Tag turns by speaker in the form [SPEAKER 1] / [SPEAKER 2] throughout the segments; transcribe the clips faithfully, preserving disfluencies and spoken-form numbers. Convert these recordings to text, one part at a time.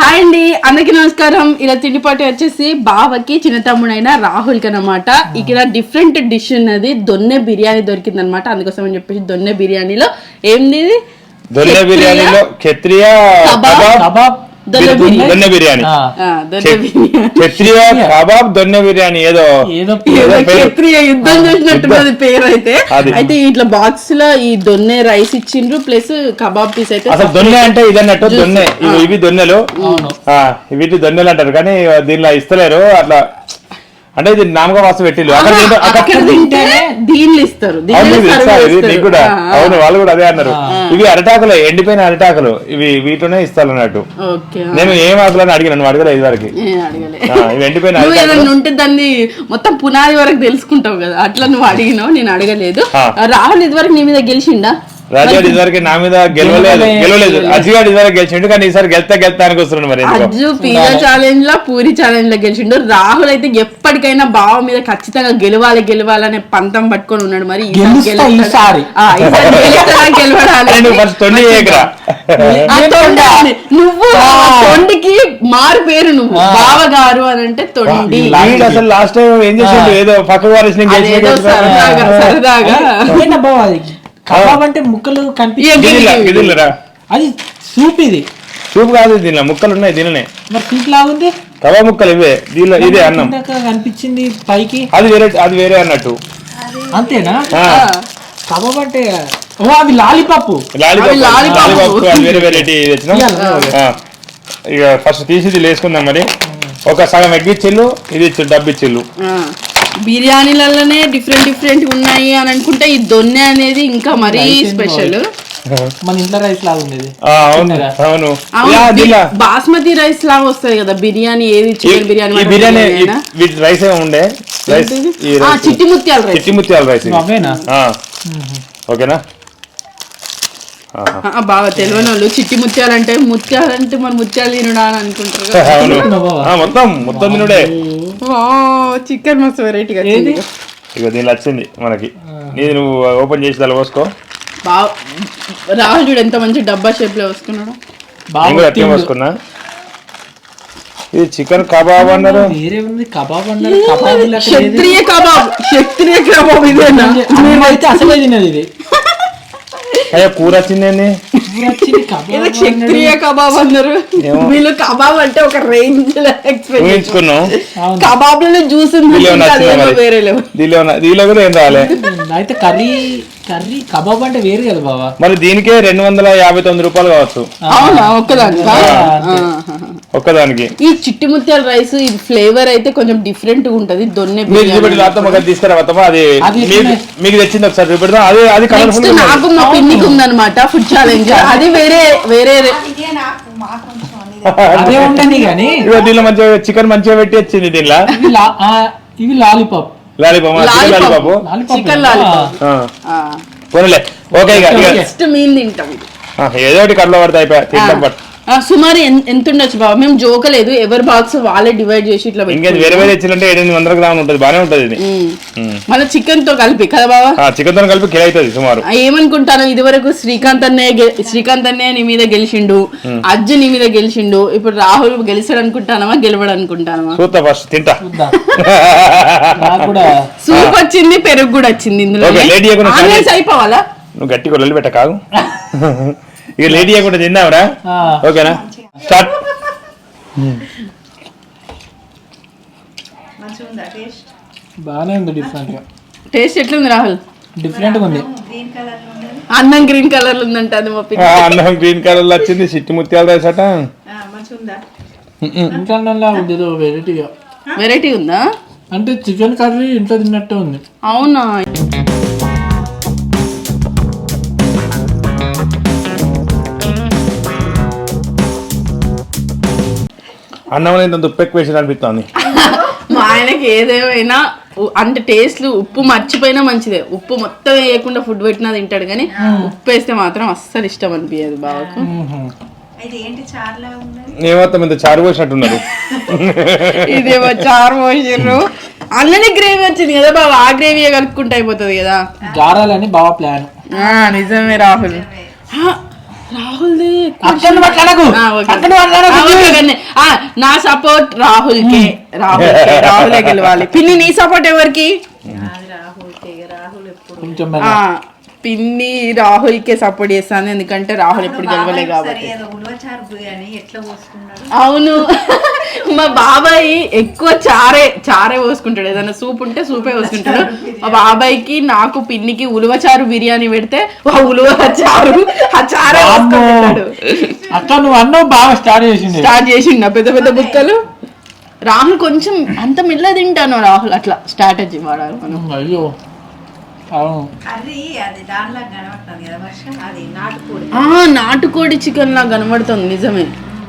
[SPEAKER 1] Hi అండి, అందరికి నమస్కారం. ఇలా తిండిపాటి వచ్చేసి బావకి చిన్న తమ్ముడైన రాహుల్ కి అనమాట. ఇక్కడ డిఫరెంట్ డిష్ ఉన్నది, దొన్నె బిర్యానీ దొరికింది అనమాట. అందుకోసం అని చెప్పేసి దొన్నె బిర్యానీలో ఏంది,
[SPEAKER 2] దొన్నె బిర్యానీలో క్షత్రియ కబాబ్ దొన్నె బిర్యానీ, క్షత్రియ కబాబ్ దొన్నె బిర్యానీ, ఏదో
[SPEAKER 1] ఏదో క్షత్రియ యుద్ధం చేసినట్టున్నది పేరు. అయితే అయితే ఇట్లా బాక్స్ లో ఈ దొన్నె రైస్ ఇచ్చిండ్రు, ప్లస్ కబాబ్ పీస్. అయితే
[SPEAKER 2] అసలు దొన్నె అంటే ఇదన్నట్టు, దొన్నె ఇవి దొన్నెలు, వీటి దొన్నెలు అంటారు. కానీ దీనిలో ఇస్తలేరు అట్లా, అంటే ఇది నామక వాస్తు పెట్టిల్లు
[SPEAKER 1] దీనిలో ఇస్తారు
[SPEAKER 2] నీకు కూడా. అవును, వాళ్ళు కూడా అదే అన్నారు. ఇవి అరటాకులు, ఎండిపోయిన అరటాకులు, ఇవి వీటిలోనే ఇస్తారు అన్నట్టు. నేను ఏం ఆకులని అడిగిన, నువ్వు అడగలేదు ఇది వరకు. ఇవి ఎండిపోయిన
[SPEAKER 1] ఉంటే దాన్ని మొత్తం పునాది వరకు తెలుసుకుంటావు కదా, అట్లా నువ్వు అడిగినావు, నేను అడగలేదు. రాహుల్ ఇది వరకు నీ మీద గెలిచిండా?
[SPEAKER 2] రాజాడు ఇదివరకు నా మీద గెలవలేదు గెలవలేదు అజ్జుగాడు ఇదివరకు గెలిచిండు, కానీ ఈసారి గెలుతా గెలుతానికి వస్తున్నాడు. మరి
[SPEAKER 1] అజ్జు పిజ్జా ఛాలెంజ్ లో, పూరి ఛాలెంజ్ లో గెలిచిండు. రాహుల్ అయితే ఎప్పటికైనా బావ మీద ఖచ్చితంగా గెలవాలి గెలవాలనే పంతం పట్టుకొని ఉన్నాడు. మరి నువ్వు తొండికి మారు పేరు, నువ్వు బావ గారు అని అంటే తొండి.
[SPEAKER 2] అసలు లాస్ట్ టైం ఏం చేసిండు, ఏదో పక్క వారి
[SPEAKER 1] సరదాగా సరదాగా
[SPEAKER 3] కబాబ్ అంటే ముక్కలు కనిపించరా, అది సూప్. ఇది
[SPEAKER 2] సూప్ కాదు, దీనిలో ముక్కలు ఉన్నాయి. దీనినే
[SPEAKER 3] మరి సూప్ లాగుంది.
[SPEAKER 2] కబాబ్ ముక్కలు ఇవే, దీనిలో ఇదే అన్నం
[SPEAKER 3] కనిపించింది పైకి.
[SPEAKER 2] అది వేరే, అది వేరే అన్నట్టు.
[SPEAKER 3] అంతేనా? కబాబ్ అంటే అవి లాలీపాప్.
[SPEAKER 2] లాలీపాప్ అది వేరే వెరైటీ తెచ్చినాం. ఇక ఫస్ట్ తీసి ఇది వేసుకుందాం. మరి ఒక సగం ఎగ్గిచ్చిల్లు, ఇది ఇచ్చి డబ్బిచ్చిల్లు.
[SPEAKER 1] బిర్యానీలలోనే డిఫరెంట్ డిఫరెంట్ ఉన్నాయి అని అనుకుంటే ఈ దొన్నె అనేది ఇంకా మరీ స్పెషల్.
[SPEAKER 3] మన ఇంట్లో రైస్ లాగా ఉండేది.
[SPEAKER 2] అవును,
[SPEAKER 1] బాస్మతి రైస్ లాగా వస్తుంది కదా బిర్యానీ. ఏది చికెన్ బిర్యానీ
[SPEAKER 2] బిర్యానీ వీటి రైస్ ఏమి ఉండే,
[SPEAKER 1] చిట్టి ముత్యాల రైస్.
[SPEAKER 2] చిట్టి ముత్యాల రైస్ ఓకేనా?
[SPEAKER 1] బాగా తెలియని వాళ్ళు చిట్టి ముత్యాలు అంటే ముత్యాలంటే మన ముత్యాలు తినడా అని అనుకుంటారు.
[SPEAKER 2] మొత్తం మొత్తం తినుడే.
[SPEAKER 1] చికెన్ మస్తు వెరైటీగా
[SPEAKER 2] ఇక దీనిలో వచ్చింది మనకి. నీది నువ్వు ఓపెన్ చేసి దాని పోసుకో.
[SPEAKER 1] బాగా రాహుల్ చూడు ఎంత మంచి డబ్బా షేప్ లో వేసుకున్నాడు.
[SPEAKER 2] అట్లా పోసుకున్నా. ఇది చికెన్ కబాబ్ అన్నారు,
[SPEAKER 3] కబాబ్ అన్నారు.
[SPEAKER 1] క్షత్రియ కబాబ్, క్షత్రియ కబాబ్ ఇదేనా?
[SPEAKER 3] అయితే అసలే తినది ఇది.
[SPEAKER 2] అయ్యా కూర వచ్చింది,
[SPEAKER 1] క్షత్రియ కబాబ్ అన్నారు. వీళ్ళు కబాబ్ అంటే ఒక రేంజ్
[SPEAKER 2] ఊహించుకున్నాం.
[SPEAKER 1] కబాబ్ లో జ్యూస్ వేరే
[SPEAKER 2] దీనిలో కూడా ఏం రాలే.
[SPEAKER 3] అయితే కర్రీ కర్రీ కబాబ్ అంటే వేరు కదా బాబా.
[SPEAKER 2] మరి దీనికే రెండు వందల యాభై తొమ్మిది రూపాయలు కావచ్చు.
[SPEAKER 1] అవునా? ఒక్కదానికి
[SPEAKER 2] ఒక్కదానికి.
[SPEAKER 1] ఈ చిట్టి ముత్యాల రైస్ ఇది ఫ్లేవర్ అయితే కొంచెం డిఫరెంట్ గా ఉంటది. దొన్నె
[SPEAKER 2] తీసుకురా అది మీకు తెచ్చింది ఒకసారి చూపెడతాం. అది అది కలర్ఫుల్.
[SPEAKER 1] నాకు మా పిన్నికి ఉందన్నమాట ఫుడ్ ఛాలెంజ్. అది వేరే వేరే
[SPEAKER 3] అదే ఉంటుంది. కానీ
[SPEAKER 2] దీనిలో మంచిగా చికెన్ మంచిగా పెట్టి వచ్చింది. దీనిలో
[SPEAKER 3] ఇవి lollipop
[SPEAKER 2] lollipop
[SPEAKER 1] chicken lollipop.
[SPEAKER 2] Okay, ఏదో ఒకటి కళ్ళ పడితే అయిపోయా తింటాం. బట్
[SPEAKER 1] సుమారు ఎంత ఉండొచ్చు బాబా? మేము జోకలేదు, ఎవరి బాక్స్ వాళ్ళే డివైడ్ చేసి ఇట్లా
[SPEAKER 2] ఇంకేది వేరే వేరే ఇచ్చిందంటే ఎనిమిది వందల గ్రాములు ఉంటుంది. బానే ఉంటది ఇది.
[SPEAKER 1] మళ్ళీ చికెన్ తో కలిపి కదా బాబా?
[SPEAKER 2] చికెన్ తో కలిపి కిలో అవుతుంది సుమారు.
[SPEAKER 1] ఏమనుకుంటాను, ఇది వరకు శ్రీకాంత్ అన్నయ్య శ్రీకాంత్ అన్నయ్య నీ మీద గెలిచిండు, అజ్జు నీ మీద గెలిచిండు. ఇప్పుడు రాహుల్ గెలిచాడు అనుకుంటానమా, గెలవడు అనుకుంటానమా?
[SPEAKER 2] చూస్తా, ఫస్ట్ తింటా.
[SPEAKER 1] సూప్ వచ్చింది, పెరుగు కూడా వచ్చింది ఇందులో. అయిపోవాలా?
[SPEAKER 2] నువ్వు గట్టిగా లొల్లి పెట్ట కాదు. ఇక లేట్ చేయకుండా తిందాంరా. ఓకేనా? స్టార్ట్.
[SPEAKER 3] బాగానే ఉంది. డిఫరెంట్
[SPEAKER 1] టేస్ట్ ఎట్లుంది రాహుల్?
[SPEAKER 3] డిఫరెంట్ గా ఉంది.
[SPEAKER 1] అన్నం గ్రీన్ కలర్ లో ఉందంట. అది మా పిల్ల
[SPEAKER 2] అన్నం గ్రీన్ కలర్ లో వచ్చింది. చిట్టి ముత్యాల రైస్ అట.
[SPEAKER 3] ఇంకా వెరైటీగా
[SPEAKER 1] వెరైటీ ఉందా?
[SPEAKER 3] అంటే చికెన్ కర్రీ ఇంట్లో తిన్నట్టే ఉంది.
[SPEAKER 1] అవునా?
[SPEAKER 2] అన్నం ఇంత ఉప్పు ఎక్కువ వేసి అనిపిస్తుంది.
[SPEAKER 1] మా ఆయనకి ఏదేమైనా అంటే టేస్ట్లు ఉప్పు మర్చిపోయినా మంచిదే. ఉప్పు మొత్తం వేయకుండా ఫుడ్ పెట్టినా తింటాడు, కానీ ఉప్పు వేస్తే మాత్రం అస్సలు ఇష్టం అనిపించదు బావకు.
[SPEAKER 2] ఏమో ఇంత చారు పోసినట్టున్నారు.
[SPEAKER 1] ఇదేమో చారు పోసిర్రు. అన్ననే గ్రేవీ వచ్చింది కదా బావ, ఆ గ్రేవీ కలుపుకుంటే అయిపోతుంది కదా.
[SPEAKER 3] గారాలని బావ ప్లాన్.
[SPEAKER 1] నిజమే రాహుల్. రాహుల్
[SPEAKER 3] అక్కడ మాట్లాడకు అక్కడ మాట్లాడకు.
[SPEAKER 1] నా సపోర్ట్ రాహుల్ కే రాహుల్ కే రాహులే గెలవాలి. పిన్ని నీ సపోర్ట్ ఎవరికి?
[SPEAKER 3] కొంచెం
[SPEAKER 1] ఆ, పిన్ని రాహుల్ కే సపోర్ట్ చేస్తాను, ఎందుకంటే రాహుల్ ఎప్పుడు గెలవలే కాబట్టి. అవును, మా బాబాయ్ ఎక్కువ చారే చారే పోసుకుంటాడు. ఏదైనా సూప్ ఉంటే సూపే పోసుకుంటాడు. మా బాబాయ్కి నాకు పిన్నికి ఉలువచారు బిర్యానీ పెడితే ఆ ఉలువ చారు ఆ చారే పోసుకుంటాడు.
[SPEAKER 3] అక్క నువ్వు అన్నావు బాగా స్టార్ట్ చేసింది
[SPEAKER 1] స్టార్ట్ చేసిండు పెద్ద పెద్ద బుక్కలు. రాహుల్ కొంచెం అంత మెల్ల తింటాను. రాహుల్ అట్లా స్ట్రాటజీ వాడాలి మనం.
[SPEAKER 3] అయ్యో
[SPEAKER 1] నాటుకోడి చికెన్ లా కనబడుతుంది, నిజమే.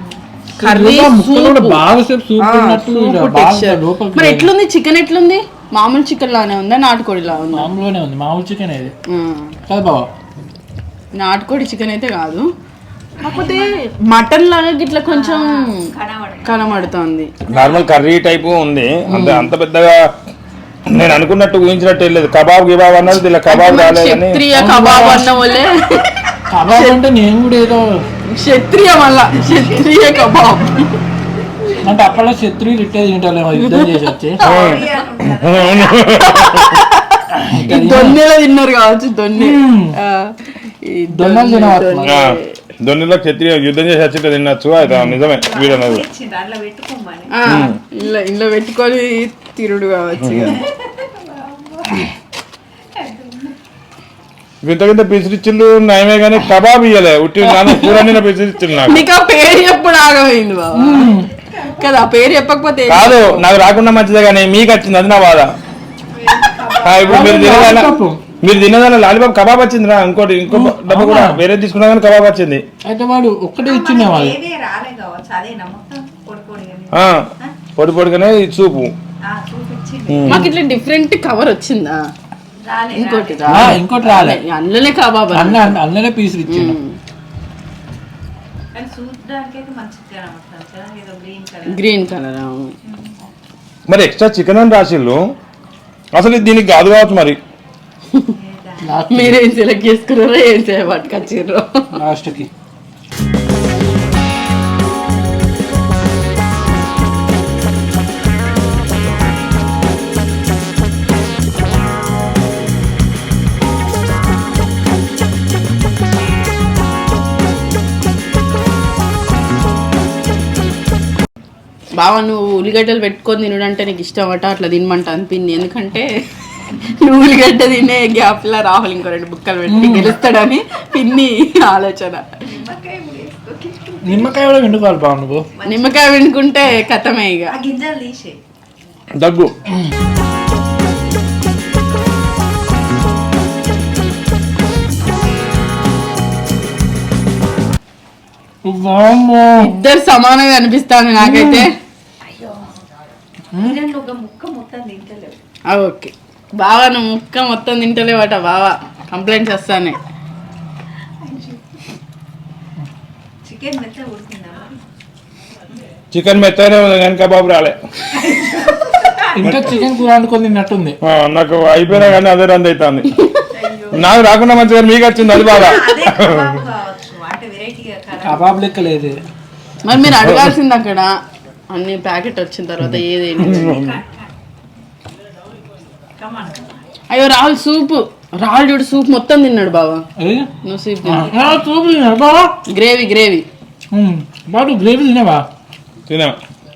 [SPEAKER 1] మరి ఎట్లుంది చికెన్? ఎట్లుంది? మామూలు చికెన్ లానే ఉందా నాటుకోడి లా ఉందా?
[SPEAKER 3] మామూలుగానే ఉంది, మామూలు చికెన్ ఇది కాదు బాబా.
[SPEAKER 1] నాటుకోడి చికెన్ అయితే కాదు, కాకపోతే మటన్ లాగా ఇట్లా కొంచెం కనబడుతుంది.
[SPEAKER 2] నార్మల్ కర్రీ టైపు ఉంది, అంత అంత పెద్దగా నేను అనుకున్నట్టు ఊహించినట్టు వెళ్ళలేదు. కబాబ్ గిబాబ్ అన్నది ఇలా కబాబ్ రాలేదని.
[SPEAKER 1] కబాబ్ అన్న వాళ్ళే
[SPEAKER 3] కబాబ్ అంటే నేను కూడా ఏదో
[SPEAKER 1] క్షత్రియ మళ్ళా క్షత్రియ కబాబ్
[SPEAKER 3] అంటే అప్పట్లో క్షత్రియులు ఇట్టే తింటారేమో యుద్ధం చేసి వచ్చి
[SPEAKER 1] దొన్నెలో తిన్నారు కావచ్చు. దొన్నె
[SPEAKER 3] దొన్నెలు తినవచ్చు,
[SPEAKER 2] దొన్నెలో క్షత్రియ యుద్ధం చేసి వచ్చి తినచ్చు. అయితే నిజమే వీడన్నది.
[SPEAKER 1] ఇలా ఇంట్లో పెట్టుకొని తిరుడు కావచ్చు.
[SPEAKER 2] వింత వింత పిసిరిచ్చిళ్ళు నయమే కానీ కబాబ్ ఇయ్యలే. ఉట్టి కూర పిసిరిచ్చిళ్ళు నాకు.
[SPEAKER 1] నీకు ఆ పేరు ఎప్పుడు ఆగమైంది బాబా కదా? పేరు చెప్పకపోతే
[SPEAKER 2] కాదు, నాకు రాకుండా మంచిదే కానీ మీకు వచ్చింది, అది నా బాధ. ఇప్పుడు మీరు తినదాన మీరు తినదాన లాలీపాప్ కబాబ్ వచ్చింది రా. ఇంకోటి ఇంకో డబ్బా కూడా వేరే తీసుకున్నా కానీ కబాబ్ వచ్చింది.
[SPEAKER 3] అయితే వాడు ఒక్కటే ఇచ్చిండే వాళ్ళు
[SPEAKER 2] పొడి పొడిగానే చూపు.
[SPEAKER 1] మాకు ఇట్లా డిఫరెంట్ కవర్ వచ్చిందా? ఇంకోటి
[SPEAKER 3] ఇంకోటి రాలే,
[SPEAKER 1] అందులోనే కబాబ్
[SPEAKER 3] అన్న అందులోనే పీసులు ఇచ్చిండు.
[SPEAKER 1] Green colour.
[SPEAKER 2] మరి ఎక్స్ట్రా చికెన్ అని రాసిళ్ళు, అసలు దీనికి కాదు కావచ్చు. మరి
[SPEAKER 1] మీరేం సెలెక్ట్ చేసుకున్నారో ఏం చేయబట్టుకొచ్చిర్రో
[SPEAKER 3] లాస్ట్ కి.
[SPEAKER 1] బావా నువ్వు ఉల్లిగడ్డలు పెట్టుకొని తినడంటే నీకు ఇష్టం అట, అట్లా తినమంట అనిపింది. ఎందుకంటే నువ్వు ఉల్లిగడ్డ తినే గ్యాప్ లా రాహుల్ ఇంకో రెండు బుక్కలు పెట్టి గెలుస్తాడని పిన్ని ఆలోచన.
[SPEAKER 3] నిమ్మకాయ కూడా వండుకోవాలి బావ నువ్వు.
[SPEAKER 1] నిమ్మకాయ వండుకుంటే కథమే ఇక.
[SPEAKER 2] దగ్గు
[SPEAKER 1] ఇద్దరు సమానంగా అనిపిస్తాను నాకైతే. ఓకే బావా నువ్వు ముక్క మొత్తం తింటలేవట బావా, కంప్లైంట్స్ వస్తానే.
[SPEAKER 2] చికెన్ మెత్తనే ఉంది కానీ కబాబ్ రాలే.
[SPEAKER 3] ఇంకా చికెన్ కూర వండుకొని తిన్నట్టుంది.
[SPEAKER 2] నాకు అయిపోయినా కానీ అదే రంది అవుతుంది. నాకు రాకుండా మంచిగా మీకు వచ్చింది, అది బాగా.
[SPEAKER 3] కబాబ్ లెక్క లేదు.
[SPEAKER 1] మరి మీరు అడగాల్సింది అక్కడ అన్ని ప్యాకెట్ వచ్చిన తర్వాత ఏదేంటి. అయ్యో రాహుల్ సూప్, రాహుల్ చూడు సూప్ మొత్తం తిన్నాడు బావా. నువ్వు సూప్
[SPEAKER 3] సూప్ తిన్నాడు బావా.
[SPEAKER 1] గ్రేవీ గ్రేవీ
[SPEAKER 3] బాబు గ్రేవీ తినేవా?
[SPEAKER 2] తినా.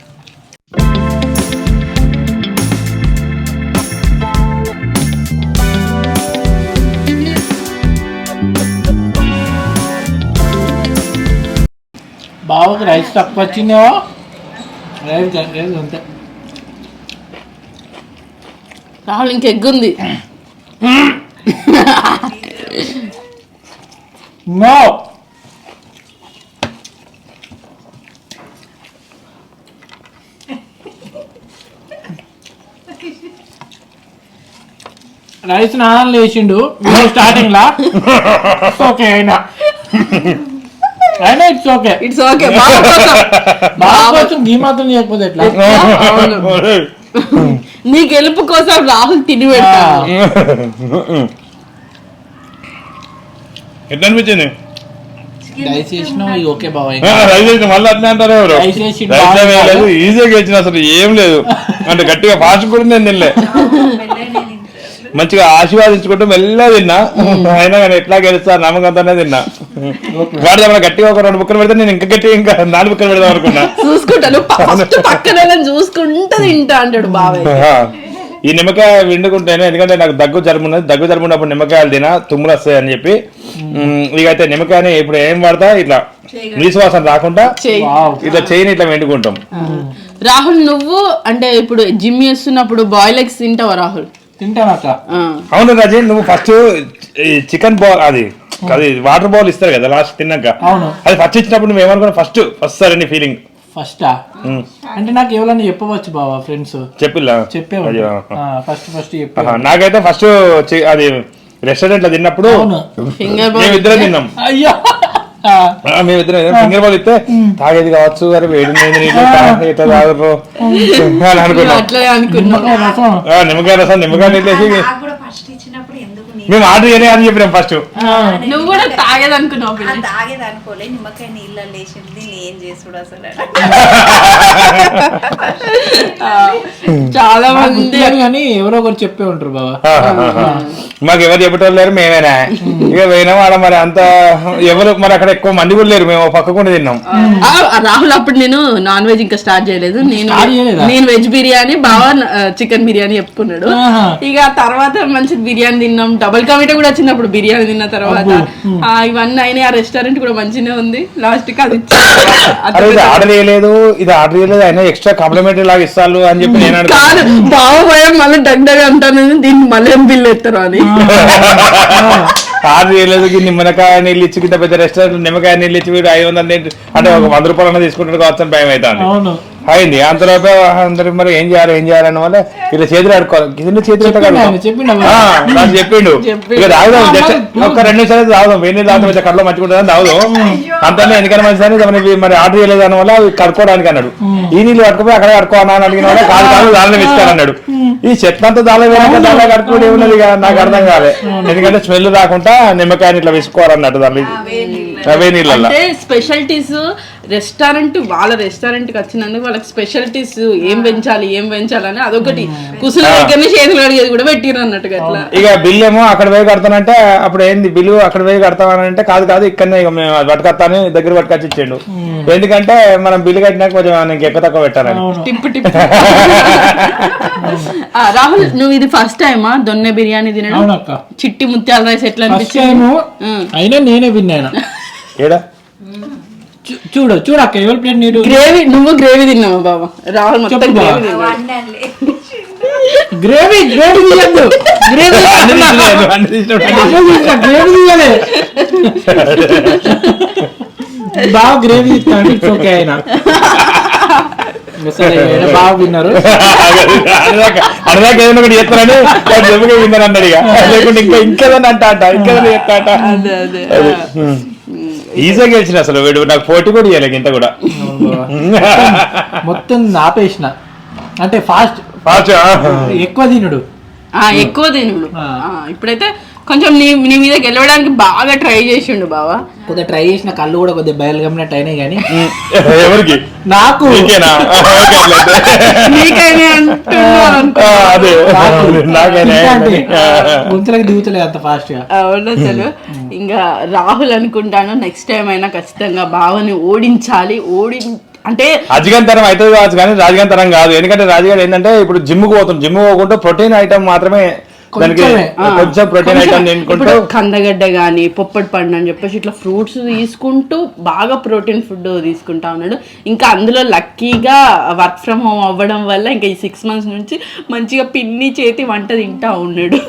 [SPEAKER 3] బావకి రైస్ తక్కువ వచ్చిందేవో. రైస్ రైస్ అంతే.
[SPEAKER 1] రాహుల్ ఇంక ఎగ్ ఉంది.
[SPEAKER 3] నో రైస్ నాన్న లేచిండు స్టార్టింగ్ లా. ఓకే అయినా అయినా ఇట్స్ ఓకే
[SPEAKER 1] ఇట్స్ ఓకే.
[SPEAKER 3] బాగా కొంచెం గీ మాత్రం చేయకపోతే ఎట్లా?
[SPEAKER 1] నీ గెలుపు కోసం రాహుల్ తిని పెడతాను.
[SPEAKER 2] ఎట్లా అనిపించింది?
[SPEAKER 3] రైస్ చేసినావు ఇక ఓకే బాబాయ్.
[SPEAKER 2] రైస్ చేసిన మళ్ళీ అట్లా అంటారు ఎవరు?
[SPEAKER 3] రైస్ చేసి
[SPEAKER 2] రైస్ ఏం లేదు, ఈజీగా వచ్చిన అసలు ఏం లేదు అంటే గట్టిగా ఫాస్ట్ కూడా నేను తినలే. మంచిగా ఆశీర్వాదించుకుంటూ మెల్లగా తిన్నా, అయినా కానీ ఎట్లా గెలుస్తా నమ్మకంతోనే తిన్నా. వాడు ఏమైనా గట్టిగా ఒక రెండు బుక్కలు పెడితే నేను ఇంకా గట్టిగా ఇంకా నాలుగు బుక్కలు పెడదాం అనుకున్నా.
[SPEAKER 1] చూసుకుంటాను పక్కన చూసుకుంటా తింటా అంటాడు బాబాయ్.
[SPEAKER 2] ఈ నిమ్మకాయ విండుకుంటాను ఎందుకంటే నాకు దగ్గు జలుబు ఉన్నది, దగ్గు జలుబు ఉన్నప్పుడు నిమ్మకాయలు తినా తుమ్ములు వస్తాయి అని చెప్పి ఇక అయితే నిమ్మకాయని ఇప్పుడు ఏం వాడతా ఇట్లా నీసువాసన రాకుండా ఇట్లా చేయని ఇట్లా వెండుకుంటాం.
[SPEAKER 1] రాహుల్ నువ్వు అంటే ఇప్పుడు జిమ్ చేస్తున్నప్పుడు బాయిల్ ఎగ్స్ తింటావా రాహుల్?
[SPEAKER 3] తింటానక్క.
[SPEAKER 2] అవును రాజే, నువ్వు ఫస్ట్ చికెన్ బాల్ అది అది వాటర్ బాల్ ఇస్తారు కదా లాస్ట్ తిన్నాక, అది ఫస్ట్ ఇచ్చినప్పుడు నువ్వు ఏమనుకున్నా ఫస్ట్ ఫస్ట్ సార్ నీ ఫీలింగ్
[SPEAKER 3] ఫస్టా అంటే నాకు ఎవరన్నా చెప్పవచ్చు బావా ఫ్రెండ్స్
[SPEAKER 2] చెప్పిల్లా
[SPEAKER 3] చెప్పేవాళ్ళు ఫస్ట్ ఫస్ట్
[SPEAKER 2] నాకైతే ఫస్ట్ అది రెస్టారెంట్ లో తిన్నప్పుడు మేమిద్దరం తిన్నాం.
[SPEAKER 3] అయ్యో
[SPEAKER 2] మేమిద్దరం ఫింగర్ బాల్ ఇస్తే తాగేది కావచ్చు అరే వేడి ఇట్లా తాగరు అని అనుకున్నాం. నిమ్మకాయ రసం నిమ్మకాయ నీళ్ళేసి మేము ఆర్డర్ చేయలే అని చెప్పినాం ఫస్ట్.
[SPEAKER 1] నువ్వు కూడా తాగేది అనుకున్నావు?
[SPEAKER 4] తాగేది అనుకోలే, నిమ్మకాయ నీళ్ళ లేచింది నేను చేసుడు అసలు.
[SPEAKER 1] చాలా మంది
[SPEAKER 3] కానీ ఎవరో ఒకరు చెప్పే ఉంటారు బాబా.
[SPEAKER 2] మాకు ఎవరు చెప్పటం లేరు, మేమేనా ఇక పోయినా వాళ్ళ మరి అంత ఎవరు మరి అక్కడ ఎక్కువ మంది కూడా లేరు, మేము పక్కకుండా తిన్నాం.
[SPEAKER 1] రాహుల్ అప్పుడు నేను నాన్ వెజ్ ఇంకా స్టార్ట్ చేయలేదు, నేను నేను వెజ్ బిర్యానీ బాగా చికెన్ బిర్యానీ చెప్పుకున్నాడు. ఇక తర్వాత మంచి బిర్యానీ తిన్నాం, డబల్ కమిటీ కూడా వచ్చింది అప్పుడు బిర్యానీ తిన్న తర్వాత. ఇవన్నీ అయినాయి, ఆ రెస్టారెంట్ కూడా మంచిగా ఉంది. లాస్ట్ కి అది
[SPEAKER 2] ఆర్డర్ చేయలేదు, ఇది ఆర్డర్ చేయలేదు, అయినా ఎక్స్ట్రా కాంప్లిమెంటరీ లాగా ఇస్తాను అని చెప్పి నేను
[SPEAKER 1] కాదు బాగా భయం మళ్ళీ దగ్గర అంటాను దీన్ని మళ్ళీ ఏం బిల్ ఎత్తారు అని.
[SPEAKER 2] ఆర్డర్ చేయలేదు, నిమ్మకాయ నీళ్ళు ఇచ్చి కింద పెద్ద రెస్టారెంట్ నిమ్మకాయ నీళ్ళు ఇచ్చి వీడు ఐదు వందలు అంటే ఒక వంద రూపాయలు తీసుకుంటాడు కావచ్చు అని భయం అవుతాను అయింది. అంతలోపే అందరికి మరి ఏం చేయాలి ఏం చేయాలన్న వల్ల ఇలా చేతులు ఆడుకోవాలి కింద చేతులు చెప్పిండు ఇక తాగుదాం జస్ట్ ఒక్క రెండు నిమిషాలు తాగుదాం, వేడి నీళ్ళు తాగుతాం కళ్ళలో మంచుకుంటుందని తాగుదాం అంతనే ఎందుకని మంచిదని మరి ఆర్డర్ చేయలేదు దాని వల్ల కడుక్కోవడానికి అన్నాడు. ఈ నీళ్ళు కట్టుకుపోయి అక్కడ కడుక్కోవాలని అని అడిగిన వల్ల కాదు కాదు దానిలో ఇస్తానన్నాడు. ఈ చెట్లంతా దాని వేరే దానిలో కడుక్కోవడం ఏమున్నది ఇక నాకు అర్థం కాలే, ఎందుకంటే స్మెల్ రాకుండా నిమ్మకాయని ఇట్లా వేసుకోవాలన్నట్టు దాన్ని అవే నీళ్ళ
[SPEAKER 1] స్పెషాలిటీస్. రెస్టారెంట్ వాళ్ళ రెస్టారెంట్ కి వచ్చినందుకు వాళ్ళకి స్పెషాలిటీస్ ఏం పెంచాలి ఏం పెంచాలని అదొకటి కుసుల దగ్గరనే చేతులు అడిగేది కూడా పెట్టిరు అన్నట్టుగా అట్లా.
[SPEAKER 2] ఇక బిల్ ఏమో అక్కడ పోయి కడతానంటే అప్పుడు ఏంది బిల్లు అక్కడ పోయి కడతామనంటే కాదు కాదు ఇక్కడనే ఇక మేము పట్టుకొస్తాను దగ్గర పట్టుకొచ్చి ఇచ్చిండు, ఎందుకంటే మనం బిల్లు కట్టినాక కొంచెం ఎక్కువ తక్కువ పెట్టాలని.
[SPEAKER 1] టిప్పు టిప్పు. రాహుల్ నువ్వు ఇది ఫస్ట్ టైమా దొన్నె బిర్యానీ తినడం? చిట్టి ముత్యాల రైస్ ఎట్లా అనిపించింది?
[SPEAKER 3] అయినా నేనే విన్నాను.
[SPEAKER 2] ఏడా
[SPEAKER 3] చూడు చూడక్క ఎవరి ప్లేట్ నీరు
[SPEAKER 1] గ్రేవీ. నువ్వు గ్రేవీ తిన్నావా బాబా? రాహుల్ మొత్తం గ్రేవీ
[SPEAKER 3] గ్రేవీ గ్రేవీ తీయద్దు, గ్రేవీ గ్రేవీ తీయాలి బాగా గ్రేవీ ఇస్తాను. ఓకే అయినా బాగా విన్నారు
[SPEAKER 2] అడదాకా ఏదైనా ఒకటి చేస్తానని విన్నారు అన్నాడు. ఇక లేకుంటే ఇంకా ఇంకేదన్నా అంట అంట ఇంకేదైనా చెప్తా ఈజీగా గెలిచిన అసలు వీడు నాకు పోటీ కూడా ఇవ్వలేదు ఇంత కూడా
[SPEAKER 3] మొత్తం ఆపేసిన అంటే ఫాస్ట్
[SPEAKER 2] ఫాస్ట్
[SPEAKER 3] ఎక్కువ తినుడు
[SPEAKER 1] ఎక్కువ తినుడు. ఇప్పుడైతే కొంచెం నీ నీ మీద గెలవడానికి బాగా ట్రై చేసిండు బావా.
[SPEAKER 3] కొద్దిగా ట్రై చేసిన కళ్ళు కూడా కొద్దిగా బయలు గమ్మినట్టు అయినాయి కానీ
[SPEAKER 2] ఎవరికి
[SPEAKER 3] నాకు గుంతలకి దిగుతలేదు అంత ఫాస్ట్ గా.
[SPEAKER 1] అవును అసలు ఇంకా రాహుల్ అనుకుంటాను నెక్స్ట్ టైం అయినా ఖచ్చితంగా బావని ఓడించాలి. ఓడి అంటే
[SPEAKER 2] రాజగంతరం అవుతుంది కావచ్చు కానీ రాజగంతరం కాదు, ఎందుకంటే రాజుగారు ఏంటంటే ఇప్పుడు జిమ్ కు పోతుంది, జిమ్ పోకుండా ప్రోటీన్ ఐటమ్ మాత్రమే దానికి కొంచెం ప్రోటీన్ ఐటమ్ తినుకుంటూ
[SPEAKER 1] కందగడ్డ గానీ పొప్పటి పండు అని చెప్పేసి ఇట్లా ఫ్రూట్స్ తీసుకుంటూ బాగా ప్రోటీన్ ఫుడ్ తీసుకుంటా ఉన్నాడు. ఇంకా అందులో లక్కీగా వర్క్ ఫ్రమ్ హోమ్ అవ్వడం వల్ల ఇంకా ఈ సిక్స్ మంత్స్ నుంచి మంచిగా పిన్ని చేతి వంట తింటా ఉన్నాడు.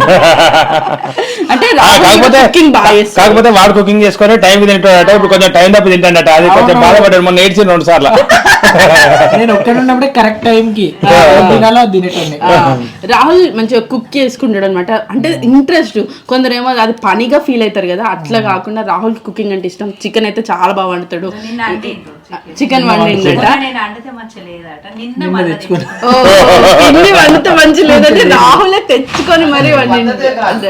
[SPEAKER 1] అంటే కుకింగ్ బాగా చేస్తాడు,
[SPEAKER 2] కాకపోతే వాడు కుకింగ్ చేసుకొని టైం తింటాడట, ఇప్పుడు కొంచెం టైం తప్పి తింటాడట, అది కొంచెం బాధపడ్డాడు మొన్న ఏడ్చింది రెండు సార్లు.
[SPEAKER 3] నేను ఒక్కడ ఉన్నప్పుడే కరెక్ట్ టైం కి తినాలో తినేటండి.
[SPEAKER 1] ఆ, రాహుల్ మంచిగా కుక్ చేసుకుంటాడు అనమాట. అంటే ఇంట్రెస్ట్, కొందరేమో అది పనిగా ఫీల్ అవుతారు కదా, అట్లా కాకుండా రాహుల్ కుకింగ్ అంటే ఇష్టం. చికెన్ అయితే చాలా బాగా వండుతాడు.
[SPEAKER 4] నిన్న అంటే
[SPEAKER 1] చికెన్ వండిందట.
[SPEAKER 4] నేను వండితే మంచి లేదట. నిన్న మళ్ళీ
[SPEAKER 1] ఓ, పిన్ని వండితే మంచి లేదంటే రాహులే తెచ్చుకొని మరీ వండిందట.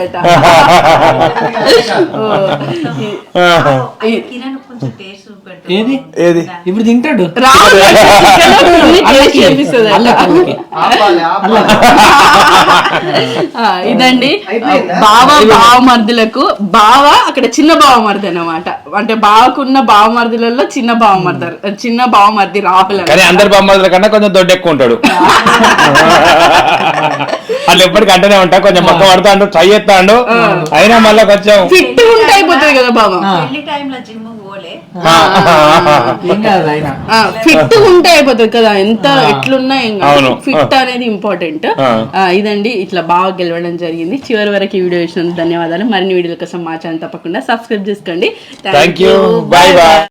[SPEAKER 4] కిరణ్ కొంచెం టేస్ట్ చూపెట్టు.
[SPEAKER 3] ఏది
[SPEAKER 2] ఏది
[SPEAKER 3] ఇప్పుడు తింటాడు
[SPEAKER 1] రాహుల్ చికెన్ పిన్ని టేస్ట్ చేపిస్తుంది. ఆ, ఇదండి బావ బావమర్దులకు. బావ అక్కడ చిన్న బావమర్ది అన్నమాట. అంటే బావకున్న బావమర్దులలో చిన్న బావమర్ది, చిన్న బావమర్ది రాహుల్.
[SPEAKER 2] కానీ అందరి బొమ్మల కన్నా కొంచెం దొడ్డు ఎక్కువ ఉంటాడు. వాళ్ళు ఎప్పటికీ అంటేనే ఉంటా, కొంచెం మొక్క పడతాడు, ట్రై చేస్తాడు, అయినా మళ్ళీ కొంచెం
[SPEAKER 1] ఫిట్ ఉంటే అయిపోతుంది కదా బావ.
[SPEAKER 4] పెళ్లి టైంలో జిమ్ పోలే.
[SPEAKER 3] ఏం కాదు ఆయన.
[SPEAKER 1] ఫిట్ ఉంటే అయిపోతుంది కదా, ఎంత ఎట్లున్నా ఏం కాదు.
[SPEAKER 2] అవును.
[SPEAKER 1] ఫిట్ అనేది ఇంపార్టెంట్. ఇదండి ఇట్లా బాగా గెలవడం జరిగింది. చివరి వరకు ఈ వీడియో చూసినందుకు ధన్యవాదాలు. మరిన్ని వీడియోల కోసం మా ఛానల్ తప్పకుండా సబ్స్క్రైబ్ చేసుకోండి.
[SPEAKER 2] Thank you, bye bye.